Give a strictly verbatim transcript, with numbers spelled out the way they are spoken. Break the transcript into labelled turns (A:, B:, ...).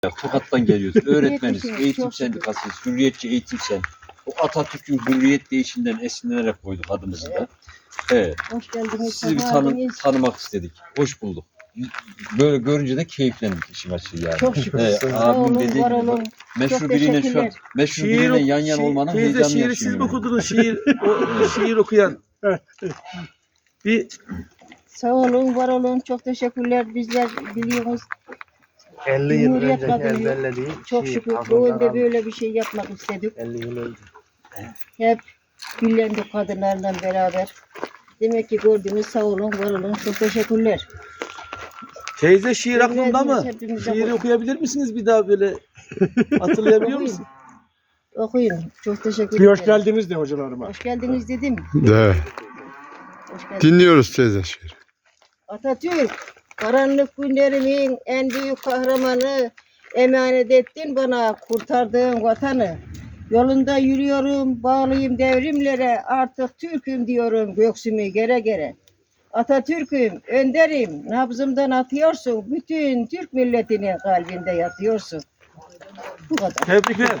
A: Tokat'tan geliyoruz. Öğretmeniz,
B: Yetmişim,
A: eğitim
B: çok şükür.
A: sendikasıyız, Hürriyetçi Eğitim Sen. O Atatürk'ün hürriyet değişinden esinlenerek koyduk adımızı da. Evet.
B: Hoş geldiniz.
A: Sizi bir
B: sefa
A: tanı
B: geldiniz.
A: tanımak istedik. Hoş bulduk. Böyle görünce de keyiflendik işin açığı yani.
B: Çok şükür.
A: Evet,
B: Sağ
A: abim
B: olun,
A: dediği
B: var
A: gibi
B: olun.
A: meşhur
B: Çok
A: biriyle şu an
B: teşekkürler.
A: meşhur
C: Şiir,
A: biriyle yan yana
C: şiir-
A: olmanın
C: teyze
A: heyecanını
C: şiiri siz mi
A: yaşıyorum.
C: okudunuz? Şiir, o, şiir okuyan. Bir
B: Sağ olun, var olun. Çok teşekkürler. Bizler biliyoruz.
D: elli yıl
B: Cumhuriyet
D: önceki
B: kadını.
D: ezberlediği
B: Çok
D: şiir,
B: şükür
D: aklımda
B: doğumda
D: kaldı.
B: böyle bir şey yapmak istedik.
D: elli yıl önce.
B: Hep birlendik kadınlarla beraber. Demek ki gördünüz, sağ olun, var olun. Çok teşekkürler.
C: teyze şiir aklında mı?
B: Hepimize
C: Şiiri
B: koy.
C: okuyabilir misiniz bir daha böyle? Hatırlayabiliyor
B: Okuyun.
C: musun?
B: Okuyun. Çok teşekkür
E: Bir
B: ederim.
E: hoş geldiniz de hocalarıma.
B: Hoş geldiniz dedim.
F: De.
B: Hoş geldiniz.
F: Dinliyoruz teyze şiir.
B: Atatürk, karanlık günlerimin en büyük kahramanı, emanet ettin bana kurtardığın vatanı. Yolunda yürüyorum, bağlıyım devrimlere, artık Türk'üm diyorum göksümü gere gere. Atatürk'üm, önderim, nabzımdan atıyorsun, bütün Türk milletinin kalbinde yatıyorsun. Bu kadar.
C: Tebrikler.